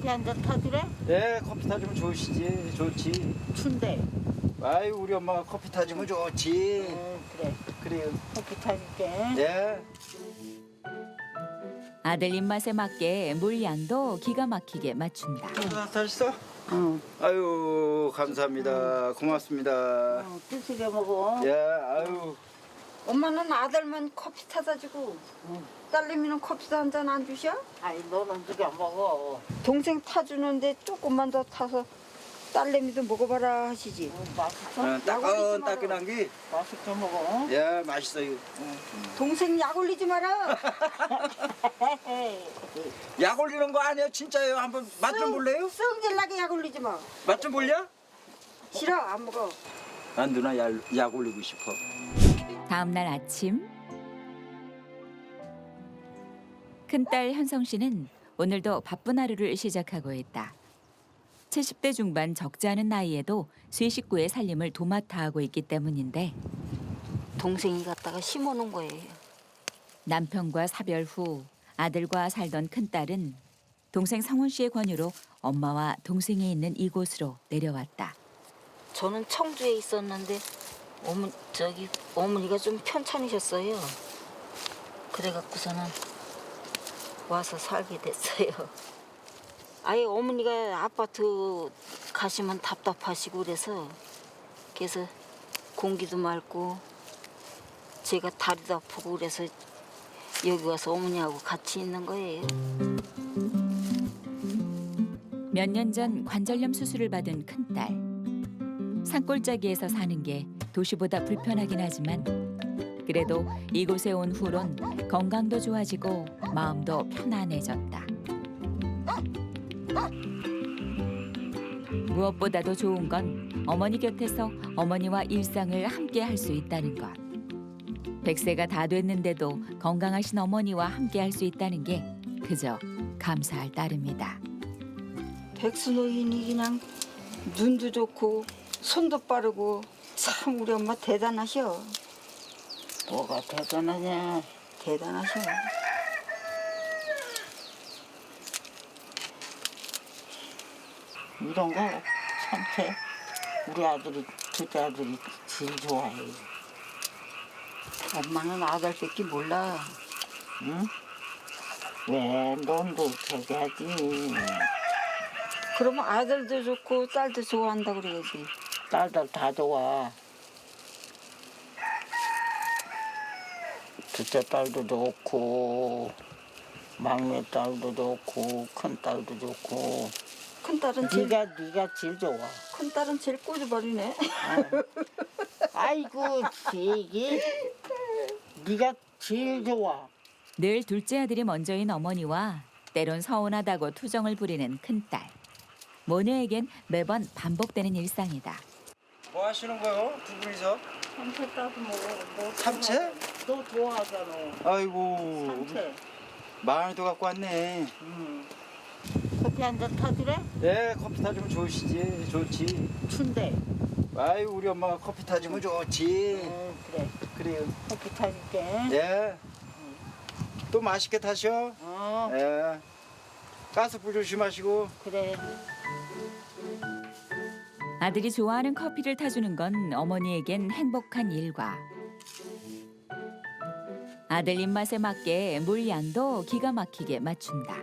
커피 한 잔 타주래? 네, 커피 타주면 좋으시지. 좋지. 춘대. 아유, 우리 엄마가 커피 타주면 좋지. 그래. 그래요. 커피 타줄게. 네. 아들 입맛에 맞게 물 양도 기가 막히게 맞춘다. 타셨어? 응. 아유, 감사합니다. 고맙습니다. 뜨시게 먹어. 예, 아유. 엄마는 아들만 커피 타다 주고 딸내미는 커피도 한 잔 안 주셔? 아이, 너는 누가 먹어. 동생 타주는데 조금만 더 타서 딸내미도 먹어봐라 하시지. 맛있어? 따끈따끈한 게, 맛있게 먹어. 예, 맛있어요. 동생 약 올리지 마라. 약 올리는 거 아니에요? 진짜예요? 한번 맛 좀 볼래요? 성질나게 약 올리지 마. 맛 좀 볼려? 싫어 안 먹어. 난 누나 약 올리고 싶어. 다음 날 아침 큰딸 현성 씨는 오늘도 바쁜 하루를 시작하고 있다. 70대 중반 적지 않은 나이에도 세 식구의 살림을 도맡아 하고 있기 때문인데 동생이 갖다가 심어놓은 거예요. 남편과 사별 후 아들과 살던 큰딸은 동생 성훈 씨의 권유로 엄마와 동생이 있는 이곳으로 내려왔다. 저는 청주에 있었는데 어머니가 좀 편찮으셨어요. 그래갖고서는 와서 살게 됐어요. 아예 어머니가 아파트 가시면 답답하시고 그래서 공기도 맑고 제가 다리도 아프고 그래서 여기 와서 어머니하고 같이 있는 거예요. 몇 년 전 관절염 수술을 받은 큰딸. 산골짜기에서 사는 게 도시보다 불편하긴 하지만 그래도 이곳에 온 후론 건강도 좋아지고 마음도 편안해졌다. 무엇보다도 좋은 건 어머니 곁에서 어머니와 일상을 함께 할 수 있다는 것. 100세가 다 됐는데도 건강하신 어머니와 함께 할 수 있다는 게 그저 감사할 따름이다. 백수노인이 그냥 눈도 좋고 손도 빠르고 참 우리 엄마 대단하셔. 뭐가 대단하냐. 대단하셔. 이런 거 참해. 우리 아들이, 둘째 아들이 제일 좋아해. 엄마는 아들밖에 몰라. 응? 왜, 넌도 되게 하지. 그러면 아들도 좋고 딸도 좋아한다 그래야지. 딸들 다 좋아. 둘째 딸도 좋고, 막내 딸도 좋고, 큰 딸도 좋고. 큰딸은 네가 제일 좋아. 큰딸은 제일 꼬집어리네. 아이고, 되게 네가 제일 좋아. 늘 둘째 아들이 먼저인 어머니와 때론 서운하다고 투정을 부리는 큰딸. 모녀에겐 매번 반복되는 일상이다. 뭐 하시는 거요? 두 분이서? 삼채 따서 먹어. 너 삼채? 너 좋아하잖아. 아이고, 삼채. 많이도 갖고 왔네. 커피 한 잔 타주래? 네, 커피 타주면 좋으시지. 좋지. 춘대. 아유, 우리 엄마가 커피 타주면 좋지. 그래. 그래요. 커피 타줄게. 네. 또 맛있게 타셔. 어, 예. 가스불 조심하시고. 그래. 아들이 좋아하는 커피를 타주는 건 어머니에겐 행복한 일과 아들 입맛에 맞게 물 양도 기가 막히게 맞춘다.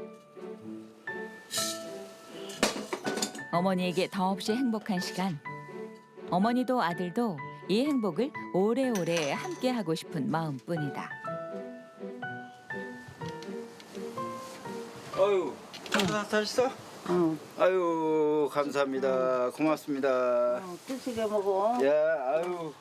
어머니에게 더없이 행복한 시간. 어머니도 아들도 이 행복을 오래오래 함께하고 싶은 마음뿐이다. 아유, 타셨어? 응. 아유, 감사합니다. 고맙습니다. 뜨시게 먹어. 예, 아유.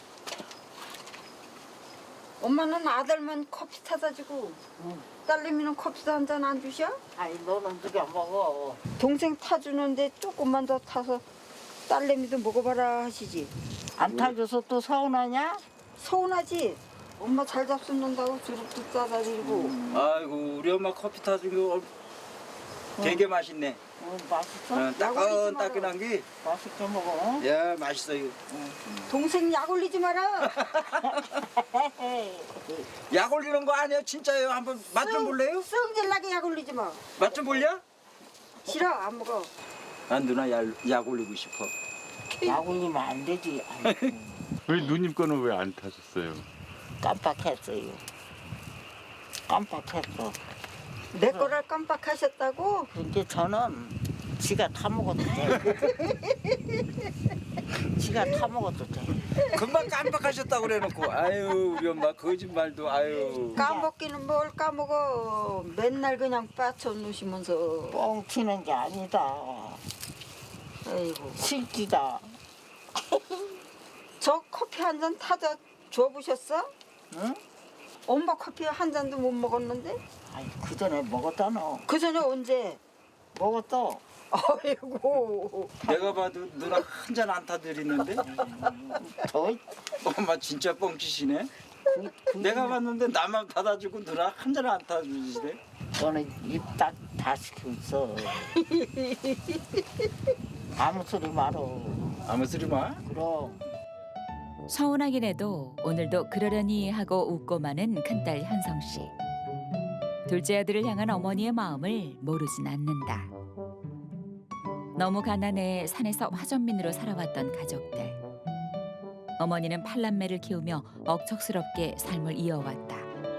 엄마는 아들만 커피 타다 주고 딸내미는 커피도 한 잔 안 주셔? 아이, 너는 누가 먹어. 동생 타주는데 조금만 더 타서 딸내미도 먹어봐라 하시지. 안 타줘서 또 서운하냐? 서운하지? 엄마 잘 잡숫는다고 주룩도 싸다 드리고. 아이고, 우리 엄마 커피 타준 거 되게 맛있네. 맛있어? 따끈따끈한 게, 맛있게 먹어. 예, 맛있어요. 동생 약 올리지 마라. 약 올리는 거 아니에요? 진짜예요? 한번 맛 좀 볼래요? 성질나게 약 올리지 마. 맛 좀 볼려? 싫어 안 먹어. 난 누나 약 올리고 싶어. 약 올리면 안 되지. 아이고, 왜 누님 거는 왜 안 타셨어요? 깜빡했어요. 깜빡했어. 내 거를 깜빡하셨다고? 근데 저는 지가 타 먹어도 돼. 지가 타 먹어도 돼. 금방 깜빡하셨다고 그래놓고 아유 우리 엄마 거짓말도 아유. 까먹기는 뭘 까먹어. 맨날 그냥 빠쳐 놓으시면서. 뻥 튀는 게 아니다. 아이고. 실기다. 저 커피 한 잔 타다 줘보셨어? 응? 엄마 커피 한 잔도 못 먹었는데? 아니 그 전에 먹었다 너. 그 전에 언제? 먹었어. 아이고. 내가 봐도 누나 한 잔 안 타드리는데 더 엄마 진짜 뻥치시네. 내가 봤는데 나만 받아주고 누나 한 잔 안 타주시네. 너는 입 딱 다 시키고 있어. 아무 소리 말어. 아무 소리 마. 그럼. 서운하긴 해도 오늘도 그러려니 하고 웃고 마는 큰딸 현성 씨. 둘째 아들을 향한 어머니의 마음을 모르진 않는다. 너무 가난해 산에서 화전민으로 살아왔던 가족들. 어머니는 팔남매를 키우며 억척스럽게 삶을 이어왔다.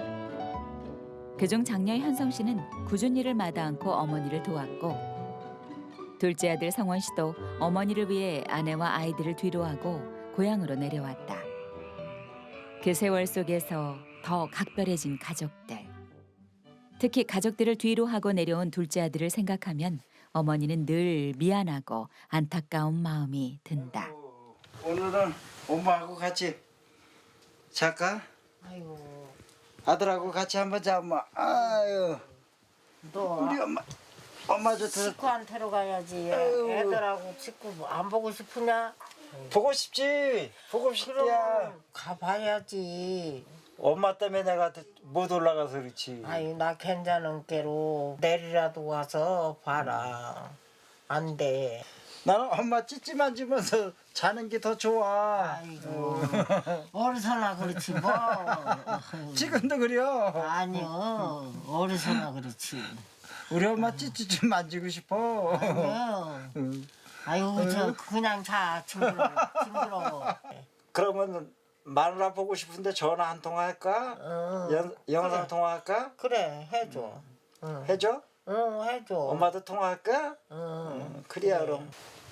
그중 장녀 현성 씨는 굳은 일을 마다 않고 어머니를 도왔고 둘째 아들 성원 씨도 어머니를 위해 아내와 아이들을 뒤로하고 고향으로 내려왔다. 그 세월 속에서 더 각별해진 가족들. 특히 가족들을 뒤로하고 내려온 둘째 아들을 생각하면 어머니는 늘 미안하고 안타까운 마음이 든다. 오늘은 엄마하고 같이 잘까? 아이고 아들하고 같이 한번 자 엄마. 아유 너 우리 엄마 좋다. 친구한테로 가야지. 아유. 애들하고 친구 안 보고 싶으냐? 보고 싶지. 보고 싶야. 그럼 가봐야지. 엄마 때문에 내가 못 올라가서 그렇지. 아이 나 괜찮은 게로 내리라도 와서 봐라. 안 돼. 나는 엄마 찌찌 만지면서 자는 게 더 좋아. 아이고 어디서나 그렇지 뭐. 지금도 그래요. 아니요 어디서나 그렇지. 우리 엄마 찌찌 좀 만지고 싶어. 아니요. 응. 아이고 저 그냥 자 징그러워. 그러면 마누라 보고 싶은데 전화 한 통 할까? 영상 그래. 통화할까? 그래 해줘. 응. 해줘? 응 해줘. 엄마도 통화할까? 응. 그래야 그럼.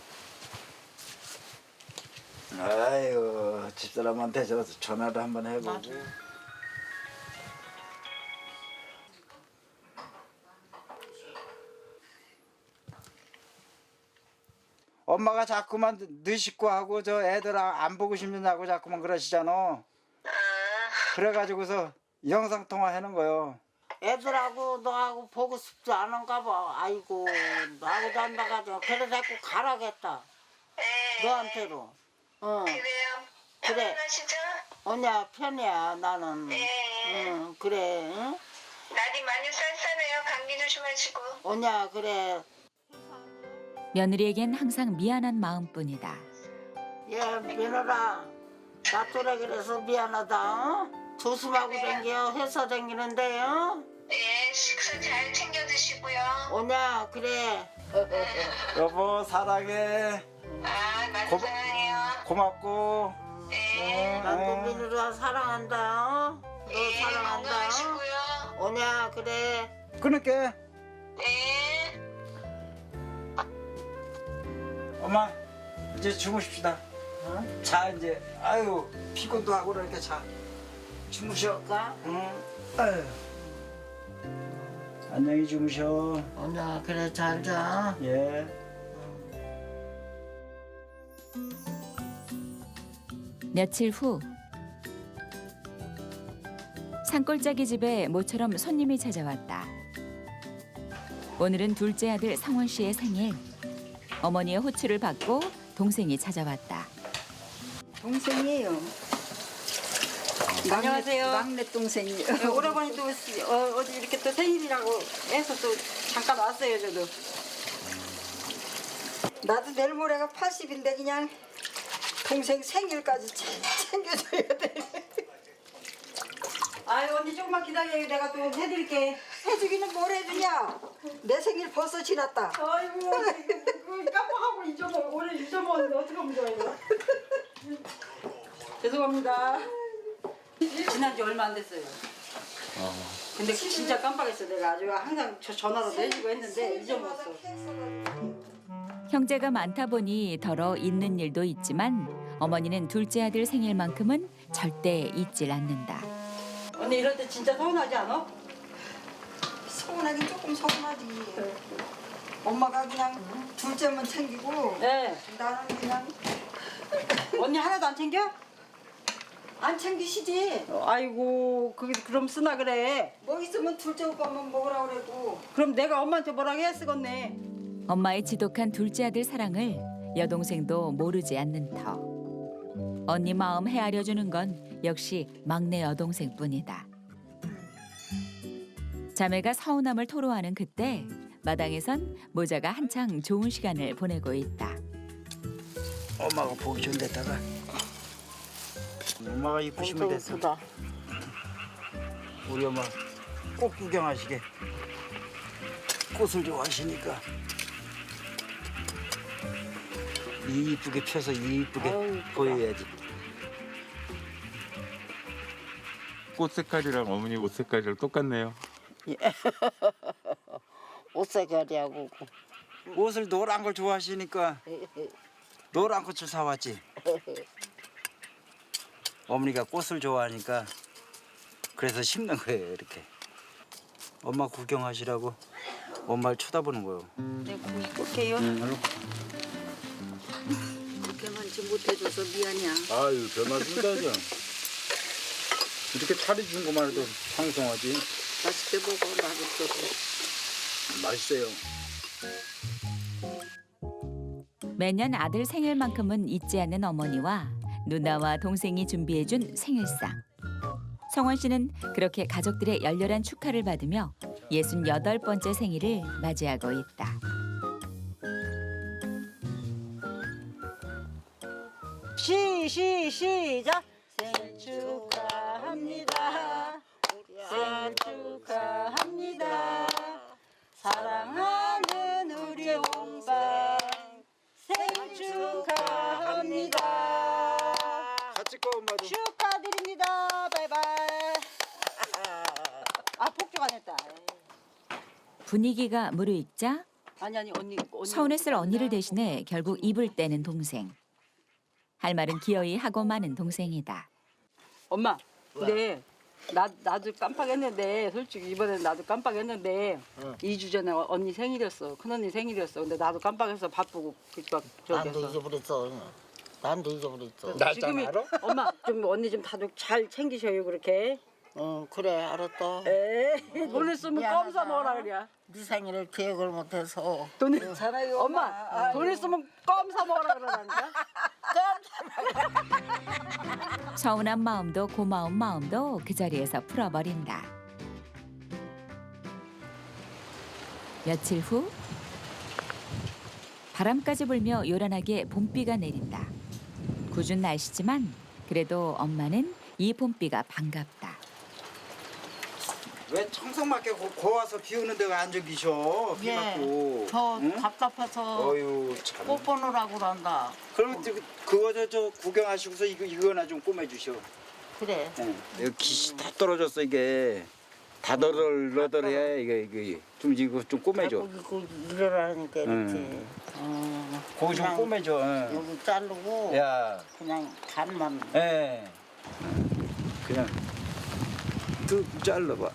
아유 집사람한테 저 전화를 한번 해보고. 맞아. 엄마가 자꾸만 늦식구 하고 저 애들 안 보고 싶느냐고 자꾸만 그러시잖아. 그래가지고서 영상 통화하는 거요. 애들하고 너하고 보고 싶지 않은가 봐. 아이고 나하고 단다가지고 그래 자꾸 가라겠다. 너한테로. 응. 그래요? 그래. 편안하시죠? 언니야 편이야 나는. 네. 응 그래. 응? 날이 많이 쌀쌀해요. 감기 조심하시고. 언니야 그래. 며느리에겐 항상 미안한 마음뿐이다. 예 며느라 나 또래 그래서 미안하다. 어? 조심하고 댕겨 회사 댕기는데요. 예, 식사 잘 챙겨 드시고요. 언니야 그래. 여보 사랑해. 아, 많이 고마- 사랑해요. 고맙고. 네. 나도 며느라 사랑한다. 어? 너 예, 사랑한다. 건강하시고요. 언니야 그래. 끊을게. 네. 엄마 이제 주무십시다. 응? 자 이제 아유 피곤도 하고 그러니까 자 주무셔. 가? 응. 아유. 안녕히 주무셔. 언니야 그래 잘 자. 예. 며칠 후 산골짜기 집에 모처럼 손님이 찾아왔다. 오늘은 둘째 아들 성원 씨의 생일. 어머니의 호출을 받고 동생이 찾아왔다. 동생이에요. 안녕하세요. 막내 동생이에요. 네, 오라버니도 어디 이렇게 또 생일이라고 해서 또 잠깐 왔어요, 저도. 나도 내일 모레가 80인데 그냥 동생 생일까지 챙겨줘야 돼. 아유, 언니 조금만 기다려요. 내가 또 해드릴게. 해주기는 뭘 해주냐? 내 생일 벌써 지났다. 아이고 깜빡하고 오늘 잊어먹었는데 어떡하면 좋아 이거. 죄송합니다. 지난지 얼마 안 됐어요. 근데 진짜 깜빡했어. 내가 아주 항상 전화로 내주고 했는데 잊어먹었어. 형제가 많다 보니 더러 있는 일도 있지만 어머니는 둘째 아들 생일만큼은 절대 잊질 않는다. 언니 이럴 때 진짜 서운하지 않아? 서운하긴 조금 서운하지. 엄마가 그냥 둘째만 챙기고 네. 나는 그냥 언니 하나도 안 챙겨? 안 챙기시지. 아이고 그럼 쓰나 그래. 뭐 있으면 둘째 오빠만 먹으라 그래도. 그럼 내가 엄마한테 뭐라고 해야 쓰겠네. 엄마의 지독한 둘째 아들 사랑을 여동생도 모르지 않는 터. 언니 마음 헤아려 주는 건 역시 막내 여동생뿐이다. 자매가 서운함을 토로하는 그때 마당에선 모자가 한창 좋은 시간을 보내고 있다. 엄마가 보기 좋은 데다가 엄마가 이쁘시면 엄청 됐어. 이쁘다. 우리 엄마 꼭 구경하시게. 꽃을 좋아하시니까 이쁘게 펴서 이쁘게 아유, 이쁘다. 보여야지. 꽃 색깔이랑 어머니 옷 색깔이랑 똑같네요. 옷색깔이하고 옷을 노란 걸 좋아하시니까 노란 꽃을 사왔지. 어머니가 꽃을 좋아하니까 그래서 심는 거예요. 이렇게 엄마 구경하시라고 엄마를 쳐다보는 거예요. 네, 볼게요. 그렇게 많지 못해줘서 미안이야. 아유 별 말씀이다죠. 이렇게 차려준 것만 해도 상성하지. 맛있게 먹어, 맛있게. 맛있어요. 매년 아들 생일만큼은 잊지 않는 어머니와 누나와 동생이 준비해준 생일상. 성원 씨는 그렇게 가족들의 열렬한 축하를 받으며 68번째 생일을 맞이하고 있다. 시작. 생일 축하합니다. 생일 축하합니다. 사랑하는 우리 홍상 생일 축하합니다. 같이 꺼 엄마도. 축하드립니다. 바이바이. 아 폭죽 안 했다. 분위기가 무르익자 아니 언니. 서운했을 언니를 대신해 결국 입을 떼는 동생. 할 말은 기어이 하고 마는 동생이다. 엄마. 근데 나도 깜빡했는데 솔직히 이번엔 나도 깜빡했는데 2주 전에 언니 생일이었어. 큰언니 생일이었어. 근데 나도 깜빡해서 바쁘고 막 저기 난도 했어. 잊어버렸어. 난도 잊어버렸어. 지금이 엄마 좀 언니 좀 다들 잘 챙기셔요 그렇게. 응 그래 알았다. 에이 돈을 쓰면 껌 사 미안하다. 먹으라 그래. 네 생일을 기억을 못해서. 돈을 잘해요, 엄마 돈을 쓰면 껌 사 먹으라 그러다니까. 서운한 마음도 고마운 마음도 그 자리에서 풀어버린다. 며칠 후 바람까지 불며 요란하게 봄비가 내린다. 궂은 날씨지만 그래도 엄마는 이 봄비가 반갑다. 왜 청성맞게 고와서 비 오는 데가 안 저기셔? 비 맞고. 저 응? 답답해서 어유 참. 꽃 보느라고 그런다. 그럼 그거 저 구경하시고서 이거나 좀 꼬매주셔. 그래. 여기 깃이 다 떨어졌어 이게. 다 너덜너덜해 이게 이거 좀 꼬매줘. 이거 일어나니까 이렇게. 응. 거기 좀 그냥 꼬매줘. 응. 여기 자르고 야, 그냥 간만. 예. 그냥 뚝 잘라봐.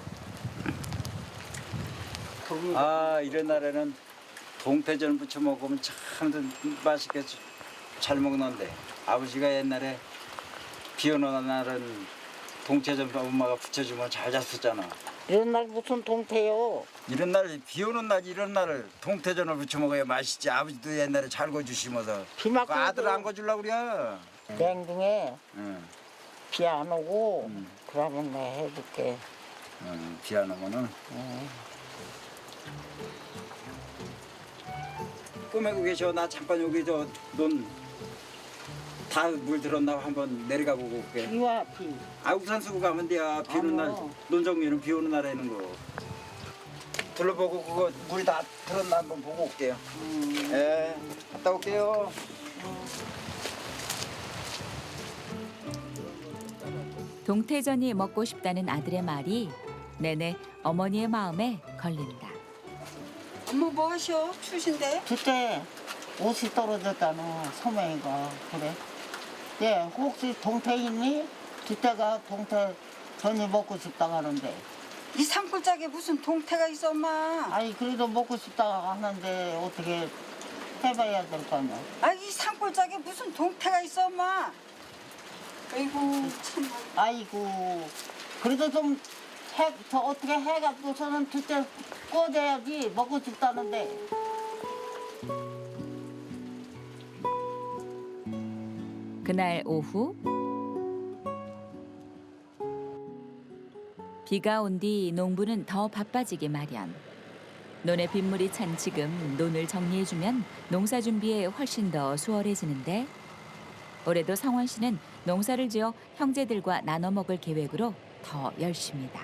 아 이런 날에는 동태전 부쳐 먹으면 참 맛있게 잘 먹는데 아버지가 옛날에 비 오는 날은 동태전 엄마가 부쳐주면 잘 잤었잖아. 이런 날 무슨 동태요? 이런 날 비 오는 날 이런 날을 동태전을 부쳐 먹어야 맛있지. 아버지도 옛날에 잘 거주시면서 비 맞고 그 아들 안 거주려고 그래. 냉동에 응. 비 안 오고 그러면 내가 해줄게. 비 안 오면은 꼬매고 계셔. 나 잠깐 여기 논 다 물 들었나 한번 내려가 보고 올게. 비와 비. 아 우산 쓰고 가면 돼야. 비 오는 날 어머. 논정리는 비 오는 날에 하는 거. 둘러보고 그거 물이 다 들었나 한번 보고 올게요. 예, 갔다 올게요. 동태전이 먹고 싶다는 아들의 말이 내내 어머니의 마음에 걸린다. 엄마 뭐 하셔? 추신데? 그때 옷이 떨어졌다는 소명이가 그래. 예, 혹시 동태 있니? 그때가 동태 전이 먹고 싶다고 하는데. 이 산골짜기에 무슨 동태가 있어 엄마? 아니 그래도 먹고 싶다고 하는데 어떻게 해봐야 될 거 아니야. 이 산골짜기에 무슨 동태가 있어 엄마? 아이고 참. 아이고 그래도 좀 저 어떻게 해가지고서는 그때 꺼내야지 먹고 싶다는데. 그날 오후 비가 온 뒤 농부는 더 바빠지기 마련. 논에 빗물이 찬 지금 논을 정리해주면 농사 준비에 훨씬 더 수월해지는데 올해도 성원 씨는 농사를 지어 형제들과 나눠 먹을 계획으로 더 열심이다.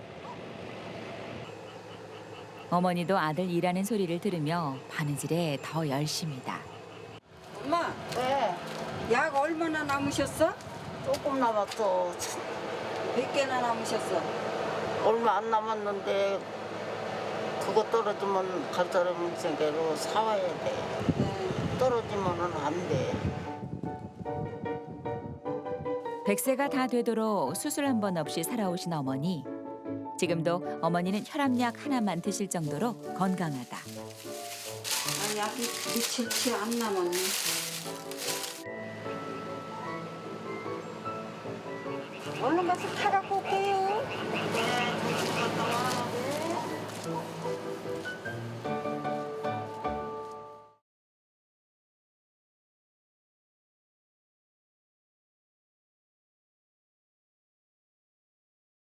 어머니도 아들 일하는 소리를 들으며 바느질에 더 열심이다. 엄마 왜? 약 얼마나 남으셨어? 조금 남았어. 몇 개나 남으셨어? 얼마 안 남았는데 그거 떨어지면 갈 사람은 생계로 사와야 돼. 떨어지면은 안 돼. 100세가 다 되도록 수술 한 번 없이 살아오신 어머니. 지금도 어머니는 혈압약 하나만 드실 정도로 건강하다. 약이 며칠치 안 남았네. 얼른 가서 타갖고 올게요. 네, 조심 갔다 와.